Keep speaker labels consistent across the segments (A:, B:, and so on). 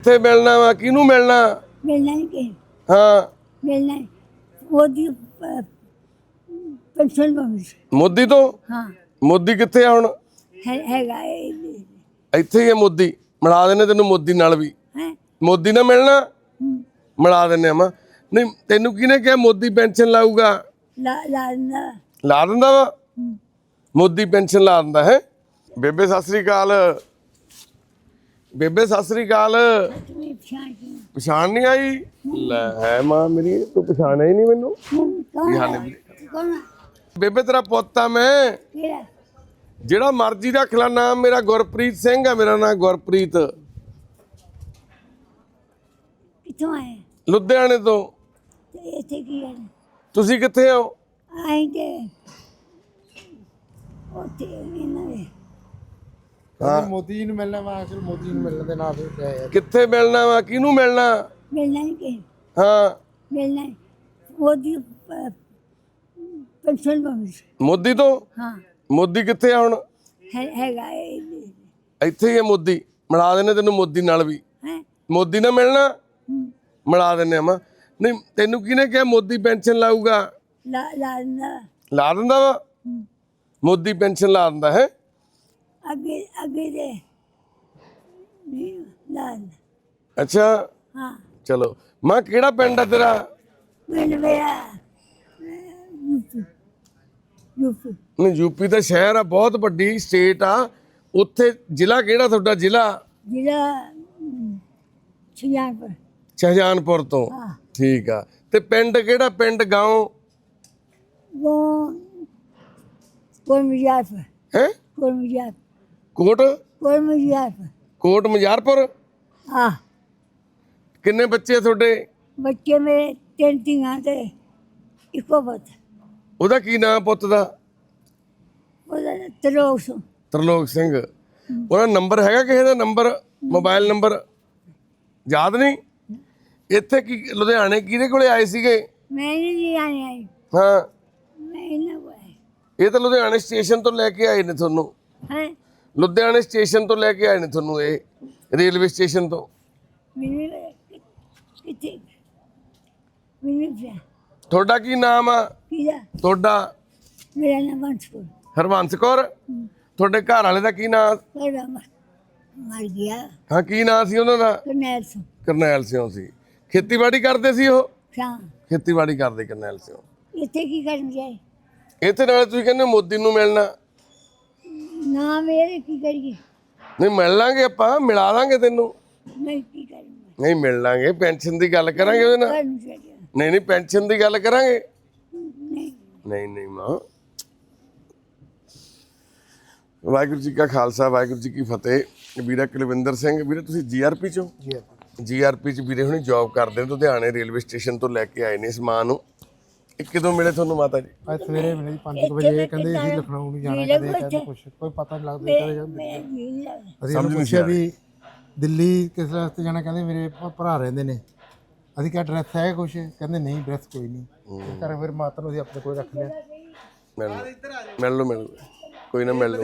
A: ਕਿੱਥੇ ਮਿਲਣਾ ਵਾ ਕਿਹਨੂੰ ਮਿਲਣਾ
B: ਮਿਲਣਾ ਨਹੀਂ ਕਿ
A: ਹਾਂ
B: ਮਿਲਣਾ ਉਹਦੀ ਪੈਨਸ਼ਨ ਬੰਦ
A: ਮੋਦੀ ਤੋਂ
B: ਹਾਂ
A: ਮੋਦੀ ਕਿੱਥੇ ਆ ਹੁਣ
B: ਹੈਗਾ
A: ਇੱਥੇ ਹੀ ਹੈ ਮੋਦੀ ਮਿਲਾ ਦਿੰਦੇ ਤੈਨੂੰ ਮੋਦੀ ਨਾਲ ਵੀ
B: ਹੈ
A: ਮੋਦੀ ਨਾਲ ਮਿਲਣਾ ਮਿਲਾ ਦਿੰਦੇ ਆ ਨਹੀਂ ਤੈਨੂੰ ਕਿਹਨੇ ਕਿਹਾ ਮੋਦੀ ਪੈਨਸ਼ਨ ਲਾਊਗਾ
B: ਲਾ
A: ਲਾ ਦਿੰਦਾ ਵਾ ਮੋਦੀ ਪੈਨਸ਼ਨ ਲਾ ਦਿੰਦਾ ਹੈ ਬੇਬੇ ਸਤਿ ਸ੍ਰੀ ਅਕਾਲ ਬੇਬੇ ਸਤਿ ਸ੍ਰੀ ਅਕਾਲ ਪਛਾਣ ਨਹੀਂ ਆਈ ਲੈ ਹੈ ਮਾਂ ਮੇਰੀ ਤੂੰ ਪਛਾਣਿਆ ਹੀ ਨਹੀਂ ਮੈਨੂੰ ਕੀ ਹਾਲ ਹੈ ਵੀਰੇ? ਬੇਬੇ ਤੇਰਾ ਪੁੱਤ ਆ ਮੈਂ ਜਿਹੜਾ ਮਰਜ਼ੀ ਰੱਖ ਲੈ ਨਾਮ ਮੇਰਾ ਗੁਰਪ੍ਰੀਤ ਸਿੰਘ ਆ ਮੇਰਾ ਨਾਮ ਗੁਰਪ੍ਰੀਤ
B: ਕਿੱਥੋਂ ਆਏ
A: ਲੁਧਿਆਣੇ ਤੋਂ
B: ਤੇ ਇੱਥੇ ਕੀ ਹੈ
A: ਤੁਸੀਂ ਕਿੱਥੇ ਹੋ
B: ਆਏਂਗੇ ਉੱਥੇ ਇਹਨਾਂ ਦੇ
A: ਹਾਂ
C: ਮੋਦੀ ਜੀ ਨੂੰ ਮਿਲਣਾ ਵਾ ਅਸਲ ਮੋਦੀ ਜੀ ਨੂੰ ਮਿਲਣ ਦੇ ਨਾਂ ਤੇ ਆਇਆ
A: ਕਿੱਥੇ ਮਿਲਣਾ ਵਾ ਕਿਹਨੂੰ ਮਿਲਣਾ
B: ਮਿਲਣਾ ਨਹੀਂ ਕਿ
A: ਹਾਂ
B: ਮਿਲਣਾ ਉਹਦੀ ਪੈਨਸ਼ਨ ਬੰਦ
A: ਮੋਦੀ ਤੋਂ
B: ਹਾਂ
A: ਮੋਦੀ ਕਿੱਥੇ ਆ ਹੁਣ
B: ਹੈਗਾ
A: ਇੱਥੇ ਹੀ ਹੈ ਮੋਦੀ ਮਿਲਾ ਦਿੰਦੇ ਤੈਨੂੰ ਮੋਦੀ ਨਾਲ ਵੀ
B: ਹੈ
A: ਮੋਦੀ ਨਾਲ ਮਿਲਣਾ ਮਿਲਾ ਦਿੰਦੇ ਆ ਨਹੀਂ ਤੈਨੂੰ ਕਿਹਨੇ ਕਿਹਾ ਮੋਦੀ ਪੈਨਸ਼ਨ ਲਾਊਗਾ ਲਾ ਦਿੰਦਾ ਵਾ ਮੋਦੀ ਪੈਨਸ਼ਨ ਲਾ ਦਿੰਦਾ ਹੈ
B: ਅੱਗੇ ਦੇ ਨਹੀਂ ਲਾ
A: ਅੱਛਾ
B: ਹਾਂ
A: ਚਲੋ ਮਾਂ ਕਿਹੜਾ ਪਿੰਡ ਆ ਤੇਰਾ
B: ਮਿਲ ਗਿਆ ਯੂਪੀ
A: ਨਹੀਂ ਯੂਪੀ ਦਾ ਸ਼ਹਿਰ ਆ ਬਹੁਤ ਵੱਡੀ ਸਟੇਟ ਆ ਉੱਥੇ ਜ਼ਿਲ੍ਹਾ ਕਿਹੜਾ ਤੁਹਾਡਾ ਜ਼ਿਲ੍ਹਾ
B: ਸ਼ਿਆਰਪੁਰ
A: ਸ਼ਹਜਾਨਪੁਰ ਤੋਂ
B: ਹਾਂ
A: ਠੀਕ ਆ ਤੇ ਪਿੰਡ ਕਿਹੜਾ ਪਿੰਡ ਗਾਉਂ
B: ਉਹ ਕੋਲ ਮਜਾਫ
A: ਹੈ
B: ਕੋਲ ਮਜਾਫ
A: ਕੋਟ
B: ਕੋਲ ਮਜਾਫ
A: ਕੋਟ ਮਜਾਰਪੁਰ
B: ਆ
A: ਕਿੰਨੇ ਬੱਚੇ ਆ ਤੁਹਾਡੇ
B: ਬੱਚੇ ਮੇਰੇ ਤਿੰਨ ਧੀਆਂ ਤੇ ਇੱਕੋ ਪੁੱਤ
A: ਉਹਦਾ ਕੀ ਨਾਮ ਪੁੱਤ ਦਾ
B: ਉਹਦਾ ਤਰੋਸ
A: ਤਰਲੋਕ ਸਿੰਘ ਉਹਦਾ ਨੰਬਰ ਹੈਗਾ ਕਿਸੇ ਦਾ ਨੰਬਰ ਮੋਬਾਈਲ ਨੰਬਰ ਯਾਦ ਨਹੀਂ ਇੱਥੇ ਕੀ ਲੁਧਿਆਣੇ ਕਿਹਦੇ ਕੋਲੇ ਆਏ ਸੀਗੇ
B: ਮੈਂ ਨਹੀਂ ਆਣੀ ਆਈ
A: ਹਾਂ
B: ਮੈਂ ਇਹਨਾਂ ਕੋਲ
A: ਇਹ ਤਾਂ ਲੁਧਿਆਣੇ ਸਟੇਸ਼ਨ ਤੋਂ ਲੈ ਕੇ ਆਏ ਨੇ ਤੁਹਾਨੂੰ
B: ਹੈ
A: ਲੁਧਿਆਣੇ ਸਟੇਸ਼ਨ ਤੋਂ ਲੈ ਕੇ ਆਏ ਨੇ ਤੁਹਾਨੂੰ ਇਹ ਰੇਲਵੇ ਸਟੇਸ਼ਨ ਤੋਂ
B: ਮੈਨੂੰ ਕਿੱਥੇ ਮੈਨੂੰ ਪਿਆ
A: ਤੁਹਾਡਾ ਕੀ ਨਾਮ ਆ
B: ਕਿਹਦਾ
A: ਤੁਹਾਡਾ
B: ਮੇਰਾ ਨਾਮ ਬੰਸਪੁਰ
A: ਹਰਬੰਸ ਕੌਰ ਤੁਹਾਡੇ ਘਰ ਵਾਲੇ ਦਾ ਕੀ ਨਾਮ
B: ਉਹਦਾ ਮਰ ਗਿਆ
A: ਹਾਂ ਕੀ ਨਾਮ ਸੀ ਉਹਨਾਂ ਦਾ
B: ਕਰਨੈਲ ਸਿੰਘ
A: ਕਰਨੈਲ ਸਿੰਘ ਸੀ ਖੇਤੀਬਾੜੀ ਕਰਦੇ ਸੀ ਉਹ
B: ਸ਼ਾਂ
A: ਖੇਤੀਬਾੜੀ ਕਰਦੇ ਕਰਨੈਲ ਸਿੰਘ
B: ਇੱਥੇ ਕੀ ਕਰਨ ਜਾਏ
A: ਇੱਥੇ ਨਾਲੇ ਤੁਸੀਂ ਕਹਿੰਦੇ ਮੋਦੀ ਨੂੰ ਮਿਲਣਾ
B: ਨਾ ਮੇਰੇ ਕੀ ਕਰੀਏ
A: ਨਹੀਂ ਮਿਲ ਲਾਂਗੇ ਆਪਾਂ ਮਿਲਾ ਲਾਂਗੇ ਤੈਨੂੰ
B: ਨਹੀਂ ਕੀ ਕਰਾਂਗੇ
A: ਨਹੀਂ ਮਿਲ ਲਾਂਗੇ ਪੈਨਸ਼ਨ ਦੀ ਗੱਲ ਕਰਾਂਗੇ ਉਹਦੇ ਨਾਲ
B: ਕਰਨ ਚਾਹੀਦਾ
A: ਨਹੀਂ ਪੈਨਸ਼ਨ ਦੀ ਗੱਲ ਕਰਾਂਗੇ
B: ਨਹੀਂ
A: ਨਹੀਂ ਮਾਂ ਵਾਹਿਗੁਰੂ ਜੀ ਕਾ ਖਾਲਸਾ ਵਾਹਿਗੁਰੂ ਜੀ ਕੀ ਫਤਿਹ ਵੀਰਾ ਕੁਲਵਿੰਦਰ ਸਿੰਘ ਵੀਰੇ ਤੁਸੀਂ ਜੀਆਰਪੀ ਚੋਂ ਜੀਆਰਪੀ ਚ ਵੀਰੇ ਹੁਣੀ ਜੌਬ ਕਰਦੇ ਨੇ ਲੁਧਿਆਣੇ ਰੇਲਵੇ ਸਟੇਸ਼ਨ ਤੋਂ ਲੈ ਕੇ ਆਏ ਨੇ ਸਮਾਨ ਨੂੰ ਇਹ ਕਿਦੋਂ ਮਿਲੇ ਤੁਹਾਨੂੰ ਮਾਤਾ ਜੀ
C: ਅੱਜ ਸਵੇਰੇ ਮਿਲੇ 5 ਵਜੇ ਕਹਿੰਦੇ ਅਸੀਂ ਲਖਨਊ ਨੂੰ ਜਾਣਾ ਕਦੇ ਕਹਿੰਦੇ ਕੁਛ ਕੋਈ ਪਤਾ ਨਹੀਂ ਲੱਗਦਾ ਕਦੇ ਜਾਂਦੇ ਅਸੀਂ ਉਹਨੂੰ ਪੁੱਛਿਆ ਵੀ ਦਿੱਲੀ ਕਿਸ ਰਸਤੇ ਜਾਣਾ ਕਹਿੰਦੇ ਮੇਰੇ ਭਰਾ ਰਹਿੰਦੇ ਨੇ ਅਸੀਂ ਕਿਹਾ ਐਡਰੈਸ ਹੈ ਕੁਛ ਕਹਿੰਦੇ ਨਹੀਂ ਐਡਰੈਸ ਕੋਈ ਨਹੀਂ ਘਰ ਫਿਰ ਮਾਤਾ ਨੂੰ ਅਸੀਂ ਆਪਣੇ ਕੋਲ ਰੱਖ ਲਿਆ
A: ਮਿਲ ਲਓ ਕੋਈ ਨਾ ਮਿਲ ਲਓ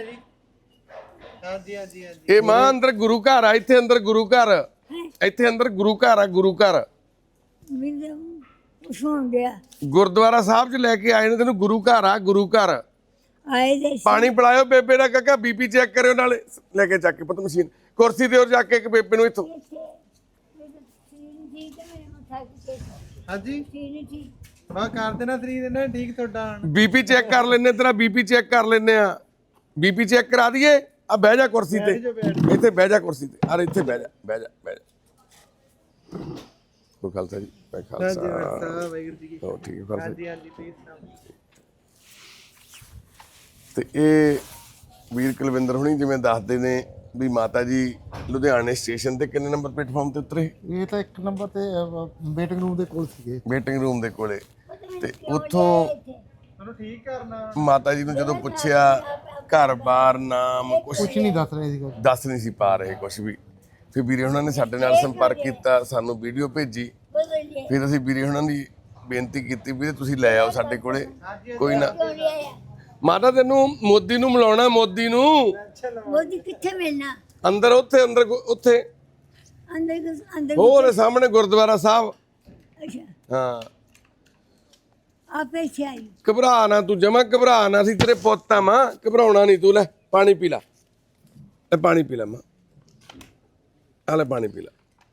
A: ਇਹ ਮਾਂ ਅੰਦਰ ਗੁਰੂ ਘਰ ਆ ਇੱਥੇ ਅੰਦਰ ਗੁਰੂ ਘਰ ਇੱਥੇ ਅੰਦਰ ਗੁਰੂ ਘਰ ਆ ਗੁਰੂ ਘਰ
B: ਮੈਨੂੰ ਸੁਣ ਗਿਆ
A: ਗੁਰਦੁਆਰਾ ਸਾਹਿਬ ਚ ਲੈ ਕੇ ਆਏ ਨੇ ਤੈਨੂੰ ਗੁਰੂ ਘਰ ਆ ਗੁਰੂ ਘਰ
B: ਆਏ ਦੇ
A: ਪਾਣੀ ਪਿਲਾਇਓ ਬੇਬੇ ਦਾ ਕਾਕਾ ਬੀਪੀ ਚੈੱਕ ਕਰਿਓ ਨਾਲੇ ਲੈ ਕੇ ਚੱਕ ਕੇ ਪਤਾ ਮਸ਼ੀਨ ਕੁਰਸੀ ਤੇ ਹੋਰ ਜਾ ਕੇ ਇੱਕ ਬੇਬੇ ਨੂੰ ਇੱਥੋਂ
C: ਹਾਂਜੀ ਬਾ ਕਰ ਦੇਣਾ ਸਰੀਰ ਇਹਨਾਂ ਠੀਕ ਤੁਹਾਡਾ
A: ਬੀਪੀ ਚੈੱਕ ਕਰ ਲੈਨੇ ਤੇਰਾ ਬੀਪੀ ਚੈੱਕ ਕਰ ਲੈਨੇ ਆ ਬੀਪੀ ਚੈੱਕ ਕਰਾ ਦਈਏ ਆ ਬਹਿ ਜਾ ਕੁਰਸੀ ਤੇ ਇੱਥੇ ਬਹਿ ਜਾ ਕੁਰਸੀ ਤੇ ਅਰੇ ਇੱਥੇ ਬਹਿ ਜਾ ਕੋ ਖਾਲਸਾ ਜੀ ਖਾਲਸਾ
C: ਵਾਹਿਗੁਰੂ ਜੀ ਕੀ
A: ਹੋ ਠੀਕ ਹੈ ਖਾਲਸਾ
C: ਹਾਂਜੀ ਪਲੀਜ਼
A: ਤੇ ਇਹ ਵੀਰ ਕੁਲਵਿੰਦਰ ਹੁਣੀ ਜਿਵੇਂ ਦੱਸਦੇ ਨੇ ਵੀ ਮਾਤਾ ਜੀ ਲੁਧਿਆਣੇ ਸਟੇਸ਼ਨ ਤੇ ਕਿੰਨੇ ਨੰਬਰ ਪਲੇਟਫਾਰਮ ਤੇ ਉਤਰੇ
C: ਇਹ ਤਾਂ ਇੱਕ ਨੰਬਰ ਤੇ ਵੇਟਿੰਗ ਰੂਮ ਦੇ ਕੋਲ ਸੀਗੇ
A: ਵੇਟਿੰਗ ਰੂਮ ਦੇ ਕੋਲੇ ਤੇ ਉੱਥੋਂ
C: ਤੁਹਾਨੂੰ ਠੀਕ ਕਰਨਾ
A: ਮਾਤਾ ਜੀ ਨੂੰ ਜਦੋਂ ਪੁੱਛਿਆ ਘਰ-ਬਾਰ ਨਾਮ ਕੁਛ
C: ਨਹੀਂ ਦੱਸ ਰਹੇ ਸੀ
A: ਦੱਸ ਨਹੀਂ ਸੀ ਪਾ ਰਹੇ ਕੁਛ ਵੀ ਫਿਰ ਵੀਰੇ ਉਹਨਾਂ ਨੇ ਸਾਡੇ ਨਾਲ ਸੰਪਰਕ ਕੀਤਾ ਸਾਨੂੰ ਵੀਡੀਓ ਭੇਜੀ ਫਿਰ ਅਸੀਂ ਵੀਰੇ ਉਹਨਾਂ ਦੀ ਬੇਨਤੀ ਕੀਤੀ ਵੀ ਤੁਸੀਂ ਲੈ ਆਓ ਸਾਡੇ ਕੋਲੇ ਕੋਈ ਨਾ ਮਾਤਾ ਤੈਨੂੰ ਮੋਦੀ ਨੂੰ ਮਿਲਾਉਣਾ ਮੋਦੀ ਨੂੰ
B: ਮੋਦੀ ਕਿੱਥੇ ਮਿਲਣਾ
A: ਅੰਦਰ ਉੱਥੇ
B: ਅੰਦਰ
A: ਹੋਰ ਸਾਹਮਣੇ ਗੁਰਦੁਆਰਾ ਸਾਹਿਬ।
B: ਅੱਛਾ
A: ਹਾਂ
B: ਆਪੇ ਛਾਈ
A: ਘਬਰਾ ਨਾ ਤੂੰ, ਜਮਾ ਘਬਰਾ ਨਾ, ਸੀ ਤੇਰੇ ਪੁੱਤ ਆ ਮਾਂ, ਘਬਰਾਉਣਾ ਨਹੀਂ ਤੂੰ। ਲੈ ਪਾਣੀ ਪੀ ਲੈ, ਇਹ ਪਾਣੀ ਪੀ ਲੈ ਮਾਂ, ਆ ਲੈ ਪਾਣੀ ਪੀ ਲੈ।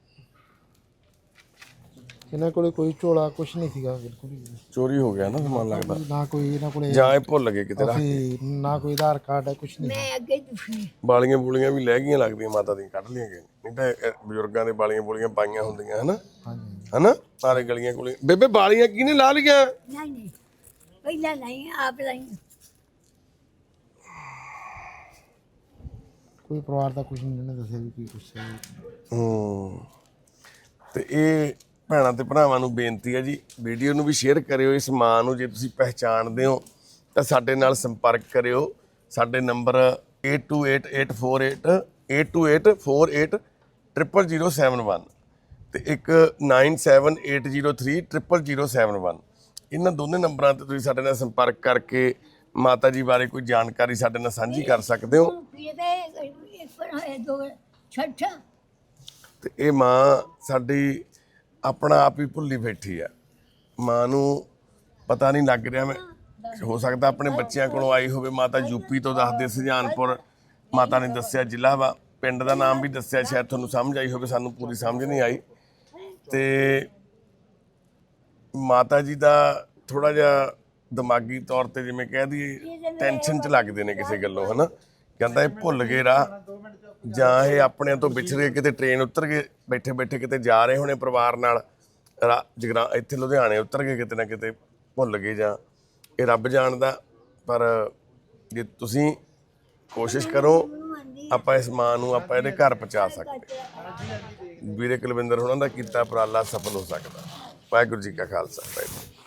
C: ਇਹਨਾਂ ਕੋਲੇ ਕੋਈ ਝੋਲਾ ਕੁਛ ਨਹੀਂ ਸੀਗਾ ਬਿਲਕੁਲ ਹੀ।
A: ਚੋਰੀ ਹੋ ਗਿਆ ਨਾ ਸਮਾਨ ਲੱਗਦਾ,
C: ਨਾ ਕੋਈ ਇਹਨਾਂ ਕੋਲੇ
A: ਜਾਂ ਇਹ ਭੁੱਲ ਗਏ ਕਿਤੇ ਰੱਖ।
C: ਅਸੀਂ ਨਾ ਕੋਈ ਆਧਾਰ ਕਾਰਡ ਹੈ ਕੁਛ ਨਹੀਂ।
B: ਮੈਂ ਅੱਗੇ ਦੁਖੀ
A: ਬਾਲੀਆਂ ਬੂਲੀਆਂ ਵੀ ਲੈ ਗਈਆਂ ਲੱਗਦੀਆਂ ਮਾਤਾ ਦੀਆਂ, ਕੱਢ ਲਈਆਂ ਗਈਆਂ, ਨਹੀਂ ਤਾਂ ਇਹ ਬਜ਼ੁਰਗਾਂ ਦੇ ਬਾਲੀਆਂ ਬੂਲੀਆਂ ਪਾਈਆਂ ਹੁੰਦੀਆਂ ਹਨਾ,
C: ਹਾਂਜੀ
A: ਹਨਾ ਸਾਰੇ ਗਲੀਆਂ ਕੋਲੇ। ਬੇਬੇ ਬਾਲੀਆਂ ਕਿਹਨੇ ਲਾ ਲਈਆਂ?
B: ਨਹੀਂ ਪਹਿਲਾਂ ਨਹੀਂ ਆਪ ਲਈ
C: ਕੋਈ ਪਰਿਵਾਰ ਦਾ ਕੁਛ ਨਹੀਂ ਇਹਨੇ ਦੱਸਿਆ ਵੀ ਕੀ ਕੁਛ ਹੈ।
A: ਤੇ ਇਹ ਭੈਣਾਂ ਤੇ ਭਰਾਵਾਂ ਨੂੰ ਬੇਨਤੀ ਹੈ ਜੀ, ਵੀਡੀਓ ਨੂੰ ਵੀ ਸ਼ੇਅਰ ਕਰਿਓ। ਇਸ ਮਾਂ ਨੂੰ ਜੇ ਤੁਸੀਂ ਪਹਿਚਾਣਦੇ ਹੋ ਤਾਂ ਸਾਡੇ ਨਾਲ ਸੰਪਰਕ ਕਰਿਓ। ਸਾਡੇ ਨੰਬਰ 8284800071 ਤੇ ਇੱਕ 9780300071। ਇਹਨਾਂ ਦੋਨੇ ਨੰਬਰਾਂ ਤੇ ਤੁਸੀਂ ਸਾਡੇ ਨਾਲ ਸੰਪਰਕ ਕਰਕੇ ਮਾਤਾ ਜੀ ਬਾਰੇ ਕੋਈ ਜਾਣਕਾਰੀ ਸਾਡੇ ਨਾਲ ਸਾਂਝੀ ਕਰ ਸਕਦੇ ਹੋ। ਤੇ ਇਹ ਮਾਂ ਸਾਡੀ ਆਪਣਾ ਆਪ ਹੀ ਭੁੱਲੀ ਬੈਠੀ ਆ। ਮਾਂ ਨੂੰ ਪਤਾ ਨਹੀਂ ਲੱਗ ਰਿਹਾ, ਮੈਂ ਹੋ ਸਕਦਾ ਆਪਣੇ ਬੱਚਿਆਂ ਕੋਲੋਂ ਆਈ ਹੋਵੇ। ਮਾਤਾ ਯੂਪੀ ਤੋਂ ਦੱਸਦੇ, ਸੁਜਾਨਪੁਰ ਮਾਤਾ ਨੇ ਦੱਸਿਆ ਜ਼ਿਲ੍ਹਾ ਵਾ, ਪਿੰਡ ਦਾ ਨਾਮ ਵੀ ਦੱਸਿਆ, ਸ਼ਾਇਦ ਤੁਹਾਨੂੰ ਸਮਝ ਆਈ ਹੋਵੇ, ਸਾਨੂੰ ਪੂਰੀ ਸਮਝ ਨਹੀਂ ਆਈ। ਤੇ ਮਾਤਾ ਜੀ ਦਾ ਥੋੜਾ ਜਿਹਾ ਦਿਮਾਗੀ ਤੌਰ ਤੇ ਜਿਵੇਂ ਕਹਿ ਦਈਏ ਟੈਨਸ਼ਨ 'ਚ ਲੱਗਦੇ ਨੇ ਕਿਸੇ ਗੱਲੋਂ, ਹਨਾ। ਕਹਿੰਦਾ ਇਹ ਭੁੱਲ ਗਏ ਰਾਹ, ਜਾਂ ਇਹ ਆਪਣਿਆਂ ਤੋਂ ਵਿਛੜ ਗਏ, ਕਿਤੇ ਟ੍ਰੇਨ ਉਤਰ ਗਏ, ਬੈਠੇ ਬੈਠੇ ਕਿਤੇ ਜਾ ਰਹੇ ਹੋਣੇ ਪਰਿਵਾਰ ਨਾਲ ਇੱਥੇ ਲੁਧਿਆਣੇ ਉਤਰ ਗਏ, ਕਿਤੇ ਨਾ ਕਿਤੇ ਭੁੱਲ ਗਏ, ਜਾਂ ਇਹ ਰੱਬ ਜਾਣਦਾ। ਪਰ ਜੇ ਤੁਸੀਂ ਕੋਸ਼ਿਸ਼ ਕਰੋ, ਆਪਾਂ ਇਸ ਮਾਂ ਨੂੰ ਆਪਾਂ ਇਹਦੇ ਘਰ ਪਹੁੰਚਾ ਸਕਦੇ। ਵੀਰੇ ਕੁਲਵਿੰਦਰ ਹੋਣਾ ਦਾ ਕੀਤਾ ਉਪਰਾਲਾ ਸਫਲ ਹੋ ਸਕਦਾ। ਵਾਹਿਗੁਰੂ ਜੀ ਕਾ ਖਾਲਸਾ।